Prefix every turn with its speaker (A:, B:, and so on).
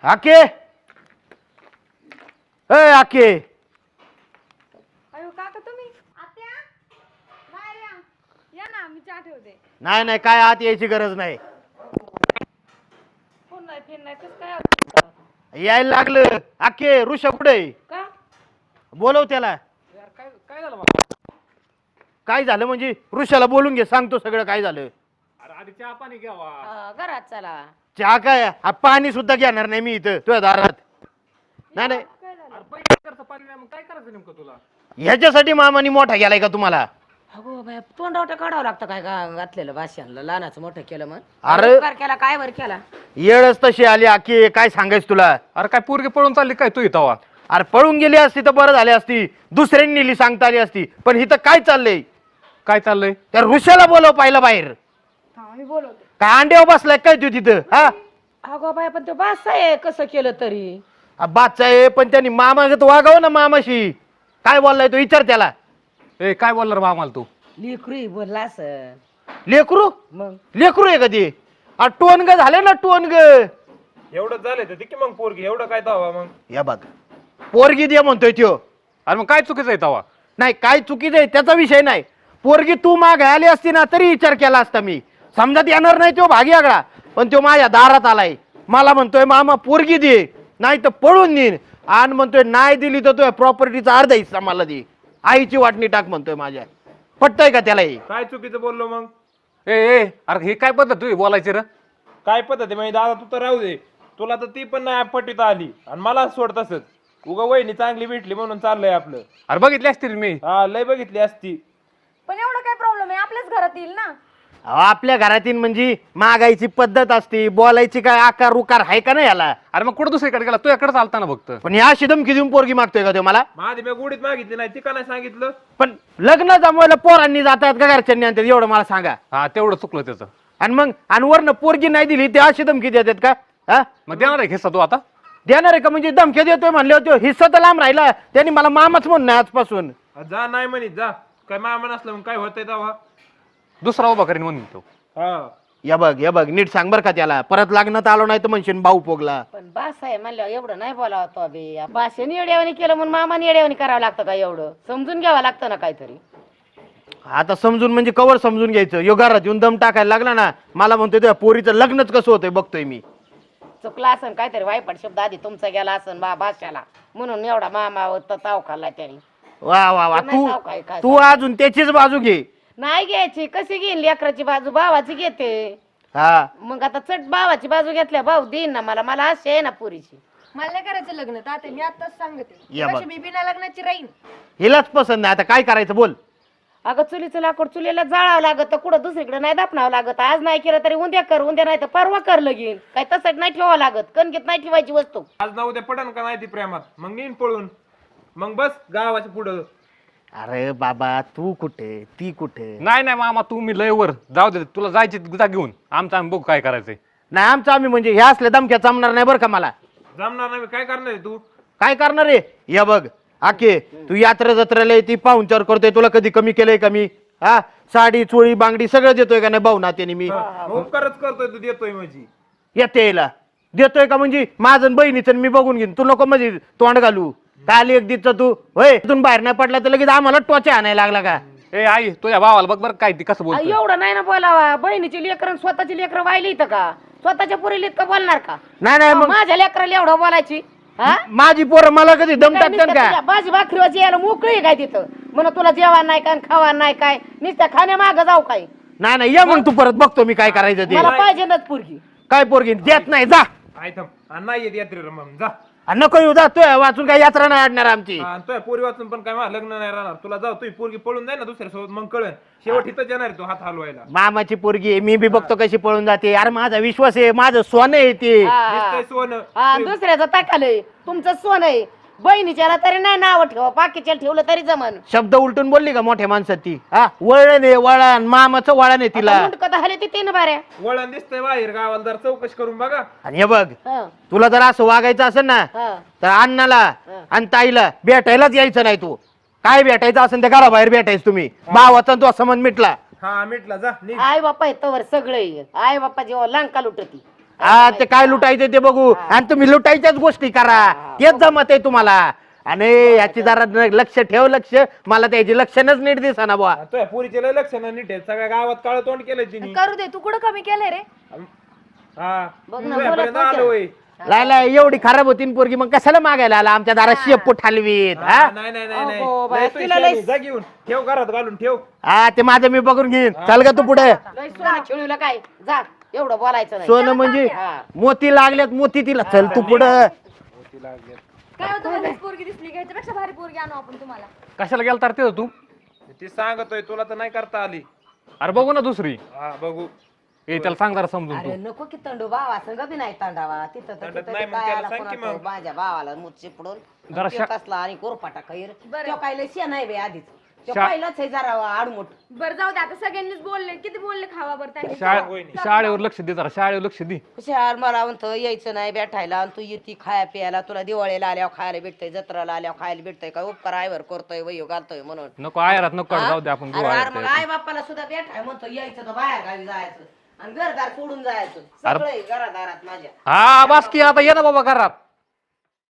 A: आके आके
B: अयो काका तुम्ही आत्या बाहेर या या ना मी चहा ठेवते.
A: नाही नाही काय आत यायची गरज नाही.
B: फोन नाही फेन नाही कसं काय
A: यायला लागलं. आके ऋषा कुठे
B: का
A: बोलव त्याला.
C: यार काय काय झालं बाबा?
A: काय झालं म्हणजे ऋषाला बोलून घे, सांगतो सगळं काय झालं.
C: अरे आधी चहा पाणी घ्यावा.
B: घरात चला.
A: चहा काय पाणी सुद्धा घेणार नाही मी इथं तुझ्या दारात. नाही नाही
B: काय झालं
C: अरे पैसे करता पाणी नाही, मग काय करायचं नेमकं तुला?
A: ह्याच्यासाठी मामानी मोठा गेलाय का तुम्हाला?
D: अगो बाय तोंडावटा काढावं लागतं काय घातलेलं भाषणाला लहानाचं मोठं केलं मग
A: अरे
D: उपकार केला काय वर केला
A: येळच तशी आली आके, काय सांगायच तुला.
C: अरे काय पोरगी पळून चालली काय तू इथं?
A: अरे पळून गेली असती तर बरं झाली असती, दुसऱ्यांनी नेली सांगता आली असती. पण इथं काय चाललंय?
C: काय चाललंय?
A: त्या ऋषाला बोलव पाहिलं बाहेर.
B: हा मी बोलवते.
A: काय अंड्यावर बसलाय काय तू तिथं? हा
D: अगो बाय पण तो बास आहे कसं केलं तरी
A: बादचा आहे पण त्यांनी मामागत वागावं ना मामाशी. काय बोललाय तो विचार त्याला.
C: ए काय बोलणार बा आम्हाला तू?
D: लिखरू बोलला असं
A: लेकरू
D: मग
A: लेकरू आहे कधी? टोनग झाले ना टोनग.
E: एवढं झालंय तर की मग पोरगी एवढं काय दावा मग?
A: या बघ पोरगी दे म्हणतोय त्यो.
C: अरे मग काय चुकीचं आहे तवा?
A: नाही काय चुकीचं आहे त्याचा विषय नाही. पोरगी तू माग आली असती ना तरी विचार केला असता मी. समजत येणार नाही तो भागी आगळा, पण तो माझ्या दारात आलाय. मला म्हणतोय मामा पोरगी दे नाही तर पळून देईन. आणि म्हणतोय नाही दिली तर तो प्रॉपर्टीचा अर्धा हिस्सा मला दे, आईची वाटणी टाक म्हणतोय माझ्या. पटतय का त्याला हे?
E: काय चुकीचं बोललो मग?
C: ए अरे हे काय पद्धत तुझी बोलायची रे?
E: काय पद्धत आहे म्हणजे दादा? तू तर राहू दे, तुला तर ती पण नाही पटीत आली आणि मला सोड तसंच. उगा वहिनी चांगली भेटली म्हणून चाललंय आपलं.
C: अरे बघितली असतील मी.
E: हा लय बघितली असती.
B: पण एवढं काय प्रॉब्लेम आहे, आपल्याच घरात येईल ना.
A: अहो, आपल्या घरातील म्हणजे मागायची पद्धत असते, बोलायची काय आकार उकार आहे का नाही याला?
C: अरे मग कुठं दुसरीकडे गेला? तुझ्याकडे चालता ना फक्त.
A: पण या धमकी देऊन पोरगी मागतोय का तो मला?
E: माझी मी गुडीत मागितली नाही, ती का नाही सांगितलं?
A: पण लग्न जमवायला पोरांनी जातात का घरच्यांनी आणतात एवढं मला सांगा.
C: हा तेवढं चुकलं त्याचं.
A: आणि मग आणि वरनं पोरगी नाही दिली ते अशी धमकी देतात का? हा
C: मग देणार आहे हिस्सा तू आता?
A: देणार आहे का? म्हणजे धमकी देतोय म्हणले होते, हिस्सा तर लांब राहिला. त्यांनी मला मामाच म्हणणं आजपासून.
E: जा नाही म्हणित जा. काय मामा नसलं मग काय होतंय तेव्हा?
C: दुसरा उभा करीन म्हणून तो.
E: हा
A: या बघ नीट सांग बर का त्याला. परत लग्नात आलो नाही तर म्हणशील भाऊ पोगला.
D: पण बास आहे म्हणल्यावर एवढं नाही बोलावं तो बे. भाषेने येड्यावानी केलं म्हणून मामाने येड्यावानी करावं लागतं का? एवढं समजून घ्यावं लागतं ना काहीतरी.
A: आता समजून म्हणजे कवर समजून घ्यायचं. यो घरात येऊन दम टाकायला लागला ना, मला म्हणतोय त्या पोरीचं लग्नच कसं होतंय बघतोय मी.
D: चुकला असन काहीतरी वाईपट शब्द आधी तुमचा गेला असन भाषाला म्हणून एवढा मामा ताव खाल्ला त्याने.
A: वा वा वा
D: नाही नाव काय काय
A: तू अजून त्याचीच बाजू घे.
D: नाही घ्यायची कशी घेईन? लेकराची बाजू भावाची घेते.
A: हा
D: मग आता चट भावाची बाजू घेतल्या भाऊ देईन ना मला. मला अशी आहे ना पुरीची.
B: मला नाही करायचं लग्न ताते, मी आताच सांगते.
A: या बघ.
B: कशी मी बिना लग्नाची राहीन.
A: हिलाच पसंत नाही. आता काय करायचं बोल.
D: अगं चुलीचं लाकूड चुलीला जाळावं लागत, कुठं दुसरीकडे नाही दापणावं लागत. आज नाही केलं तरी उद्या कर, उद्या नाही तर परवा कर लगीन. काय तसंच नाही ठेवावं लागत. कणकीत नाही ठेवायची वस्तू.
E: आज ना उद्या पडन का नाही ती प्रेमात, मग नीन पळून मग बस गावाच्या पुढं.
A: अरे बाबा तू कुठे ती कुठे?
C: नाही नाही मामा तू मी लय वर जाऊ दे. तुला जायची जा घेऊन. आमचं आम्ही बघू काय करायचंय.
A: नाही आमचं आम्ही म्हणजे ह्या असल्या धमक्या जमणार नाही बरं का मला.
E: जमणार नाही. काय करणार आहे तू?
A: काय करणार रे? या बघ आके तू यात्रा जत्रेला ती पाहुणचार करतोय, तुला कधी कमी केलंय का मी? हा साडी चोळी बांगडी सगळं देतोय का नाही भाऊ नात्याने मी?
E: उपकारच करतोय तू, देतोय म्हणजे.
A: येते यायला देतोय का म्हणजे माझं बहिणीचं मी बघून घेईन. तू नको म्हणजे तोंड घालू. काल एक दिवस तू होय इथून बाहेर नाही पडला तर लगेच आम्हाला टोचा आणायला लागला का?
C: ए आई तुझ्या भावाला बघ बरं काय ती कसं बोलतोय.
D: एवढं नाही ना बोलावा. बहिणीची लेकरं स्वतःची लेकरं वाहिली इथं का? स्वतःच्या पुरीला इतकं बोलणार का?
A: नाही नाही मग
D: माझ्या लेकराला एवढं बोलायची? हा
A: माझी पोरं मला कधी दम
D: काय
A: टाकतात
D: नुसतं
A: का?
D: तुझ्या भाजी भाकरीवाची यायला मोकळी आहे काय तिथं? म्हणून तुला जेवण नाही काय खावा नाही काय? नुसत्या खाण्या मागं जाऊ काय?
A: नाही नाही ये मग तू परत बघतो मी काय करायचं ते.
D: मला पाहिजे ना पुरगी.
A: काय पोरगी देत नाही जा.
E: आय थांब. आणि नाही येत यात्रेला मग जा.
A: नको येऊ जातोय वाचून काय यात्रा नाही अडणार आमची.
E: आणि तुझ्या पोरी वाचून पण काय माझं लग्न नाही राहणार. तुला जाऊ तुझी पोरगी पळून जाय ना दुसऱ्यासोबत, मग कळन. शेवट इथं येणार आहे तू हात हलवायला.
A: मामाची पोरगी आहे, मी बी बघतो कशी पळून जाते. अरे माझा विश्वास आहे, माझं सोनं आहे ते.
E: दिसतंय सोनं.
D: हा दुसऱ्याचं टाकालंय तुमचं सोन आहे. बहिणीच्याला तरी नाही नाव ठेवा, बाकीच्या ठेवलं तरी जमन.
A: शब्द उलटून बोलली का मोठ्या माणसात ती? हा वळण आहे वळण, मामाचं वळण आहे तिला.
D: मुंडकं झाले ते तीन बाऱ्या.
E: वळण दिसतंय बाहेर गावाला, जर चौकशी करून बघा.
A: आणि हे बघ
D: हं,
A: तुला जर असं वागायचं असेल ना
D: हं.
A: तर अण्णाला आणि ताईला भेटायलाच यायचं नाही. तू काय भेटायचं असेल त्या घराबाहेर भेटायचं तुम्ही. भावाचा तो संबंध मिटला.
E: हा मिटला जा निघ.
D: आई बापा आहे तवर सगळे. आई बापा जेव्हा लंका लुटती
A: हा ते काय लुटायचं ते बघू आणि तुम्ही लुटायच्याच गोष्टी करा तेच जमत आहे तुम्हाला. आणि याची जरा लक्ष ठेव लक्ष मला त्याची लक्षणच नीट दिसना बुवा.
E: तुझ्या पोरीचे लय लक्ष नाही नीट आहे. सगळ्या गावात काळ तोंड केलंय तिने.
B: करू दे, तू कुठं कमी केलंय रे?
E: हा
D: बघ ना,
E: तुझ्यापर्यंत
D: बोलत
E: आलो होय.
A: लायला एवढी खराब होती ना पोरगी मग कशाला मागायला आला आमच्या दारात शेपूट हलवीत
E: हा,
A: हा
E: नाही नाही नाही नाही.
D: अगो बाई,
E: लय तू
D: तिला
E: शानी.
D: लय-
E: जा घेऊन ठेव घरात घालून ठेव.
A: हा ते माझं मी बघून घेईन. चल ग तू पुढे.
D: लय सोनं खेळूला काय जा एवढं बोलायचं नाही.
A: सोनं म्हणजे
D: हा.
A: मोती लागल्यात मोती तिला. चल तू पुढं.
B: काय होतं मध्येच पोरगी दिसली का? ह्याच्यापेक्षा भारी पोरगी आणू आपण तुम्हाला.
C: कशाला गेला तर ते तू?
E: ती सांगतोय तुला तर नाही करता आली.
C: अरे बघू ना दुसरी.
E: हा बघू.
C: ए त्याला सांग जरा समजून
D: अरे
C: तू.
D: नको की तंडू भावा संग बी नाही तंडावा तिथं तर
E: तंडत
D: तिथं
E: नाही,
D: ते
E: मग
D: काय
E: त्याला
D: आला
E: सांग की
D: कोणाचं
E: मग.
D: माझ्या भावाला मूत चिपडून
C: जरा
D: त्यो कसला आणि गोरपाटा खैर
B: बरं.
D: तो काय लय नाही बे आधीच तो
C: शा-
D: पहिलाच आहे जरा आडमुठ.
B: बरं जाऊ दे, आता सगळ्यांनीच बोलले, किती बोलले खावा बरं त्यांनी.
C: शाळेवर लक्ष दे जरा शाळेवर लक्ष दे.
D: हुशार मला म्हणतो यायचं नाही बैठायला आणि तू येते खाया प्यायला तुला दिवाळीला आल्यावर खायला भेटतंय जत्राला आल्यावर खायला भेटतंय काय उपकार आयवर करतोय वयो घालतोय म्हणून.
C: नको आयरात नको
D: हा?
C: जाऊ दे आपण
D: अरे
C: गोवा
D: अरे मग आई बापाला सुद्धा भेटाय म्हणतो यायचं तर बाहेर गावी जायचं आणि घरदार सोडून जायचं
C: अरे-
D: सगळे घरादारात माझ्या.
C: हा बास की आता ये ना बाबा घरात.